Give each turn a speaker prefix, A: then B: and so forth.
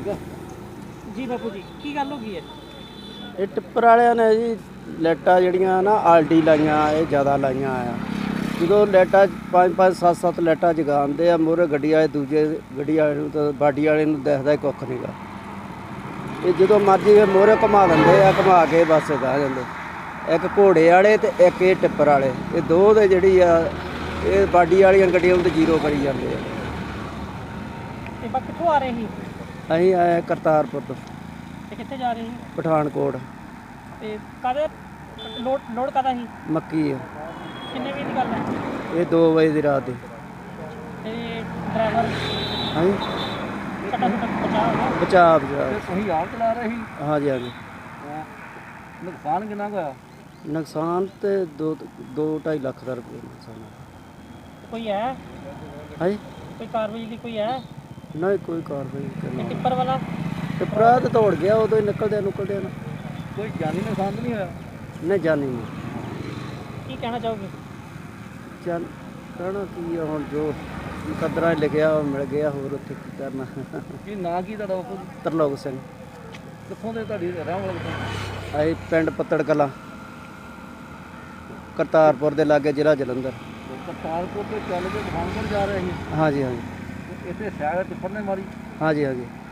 A: ਠੀਕ ਆ
B: ਜੀ ਬਾਪੂ ਜੀ ਕੀ ਗੱਲ ਹੋ ਗਈ ਹੈ?
C: ਇਹ ਟਿੱਪਰ ਵਾਲਿਆਂ ਨੇ ਜੀ ਲਾਈਟਾਂ ਜਿਹੜੀਆਂ ਨਾ ਆਲਡੀ ਲਾਈਆਂ ਇਹ ਜ਼ਿਆਦਾ ਲਾਈਆਂ ਆ। ਜਦੋਂ ਲਾਈਟਾਂ 5-5 7-7 ਲਾਈਟਾਂ ਜਗਾਉਂਦੇ ਆ ਮੂਹਰੇ ਗੱਡੀ ਵਾਲੇ ਦੂਜੇ ਗੱਡੀ ਵਾਲੇ ਨੂੰ ਤਾਂ ਬਾਡੀ ਵਾਲੇ ਨੂੰ ਦਿਖਦਾ ਹੀ ਕੁੱਖ ਨਹੀਂ ਗਾ। ਇਹ ਜਦੋਂ ਮਰਜ਼ੀ ਫਿਰ ਮੂਹਰੇ ਘੁਮਾ ਦਿੰਦੇ ਆ, ਘੁਮਾ ਕੇ ਬਸ ਗਾ ਜਾਂਦੇ। ਇੱਕ ਘੋੜੇ ਵਾਲੇ ਤੇ ਇੱਕ ਇਹ ਟਿੱਪਰ ਵਾਲੇ, ਇਹ ਦੋ ਦੇ ਜਿਹੜੀ ਆ ਇਹ ਬਾਡੀ ਵਾਲੀਆਂ ਗੱਡੀਆਂ ਨੂੰ ਤਾਂ ਜ਼ੀਰੋ ਕਰੀ ਜਾਂਦੇ ਆ।
B: ਤੇ ਬਾ ਕਿੱਥੋਂ ਆ ਰਹੇ ਸੀ
C: ਅਸੀਂ ਆਏ ਕਰਤਾਰਪੁਰ ਤੋਂ
B: ਤੇ ਕਿੱਥੇ ਜਾ ਰਹੇ ਸੀ?
C: ਪਠਾਨਕੋਟ।
B: ਤੇ ਕਾਹਦੇ ਲੋਡ ਕਾਹਦਾ ਸੀ?
C: ਮੱਕੀ ਆ।
B: ਕਿੰਨੇ ਵਜੇ ਦੀ ਗੱਲ ਹੈ?
C: ਇਹ 2 ਵਜੇ ਦੀ ਰਾਤ ਦੀ।
B: ਤੇ ਡਰਾਈਵਰ
C: ਹਾਂਜੀ
B: ਛੱਡਾ ਛੱਡਾ ਬਚਾ
C: ਬਚਾਅ
A: ਤੇ ਤੁਸੀਂ ਆਪ ਚਲਾ ਰਹੇ ਸੀ?
C: ਹਾਂਜੀ ਹਾਂਜੀ।
A: ਨੁਕਸਾਨ ਕਿੰਨਾ ਕੁ ਹੋਇਆ?
C: ਨੁਕਸਾਨ ਤੇ 2-2.5 ਲੱਖ ਦਾ ਰੁਪਏ ਨੁਕਸਾਨ ਆ।
B: ਕੋਈ ਹੈ?
C: ਹਾਂਜੀ
B: ਕੋਈ ਕਾਰਵਾਈ ਦੀ ਕੋਈ ਹੈ?
C: ਨਹੀਂ ਕੋਈ ਕਾਰਵਾਈ
B: ਤੇ
C: ਕਰਨਾ।
B: ਟਿੱਪਰ ਵਾਲਾ
C: ਟਿੱਪਰਾ ਤਾਂ ਦੌੜ ਗਿਆ ਉਦੋਂ ਹੀ ਨਿਕਲਦਿਆਂ ਨਾ।
A: ਕੋਈ ਜਾਨੀ ਨੁਕਸਾਨ ਤਾਂ ਨਹੀਂ ਹੋਇਆ?
C: ਨਹੀਂ ਜਾਣੀ ਨਹੀਂ।
B: ਕੀ ਕਹਿਣਾ ਚਾਹੋਗੇ?
C: ਚੱਲ ਕਹਿਣਾ ਕੀ ਆ ਹੁਣ ਜੋ ਕਦਰਾਂ 'ਚ ਲਿਖਿਆ ਉਹ ਮਿਲ ਗਿਆ, ਹੋਰ ਉੱਥੇ ਕੀ ਕਰਨਾ।
A: ਕੀ ਨਾਂ ਕੀ ਤੁਹਾਡਾ ਬਾਪੂ ਜੀ?
C: ਤਰਲੋਕ ਸਿੰਘ।
A: ਕਿੱਥੋਂ ਦੇ ਤੁਹਾਡੀ ਰਹਿਣ ਵਾਲੇ ਕਿੱਥੋਂ?
C: ਅਸੀਂ ਪਿੰਡ ਪੱਤੜ ਕਲਾਂ ਕਰਤਾਰਪੁਰ ਦੇ ਲਾਗੇ ਜ਼ਿਲ੍ਹਾ ਜਲੰਧਰ।
A: ਕਰਤਾਰਪੁਰ ਤੋਂ ਚੱਲ ਕੇ ਪਠਾਨਕੋਟ ਜਾ ਰਹੇ ਸੀ?
C: ਹਾਂਜੀ ਹਾਂਜੀ
A: ਇੱਥੇ ਸਾਈਡ ਟਿੱਪਰ ਨੇ ਮਾਰੀ?
C: ਹਾਂਜੀ ਹਾਂਜੀ।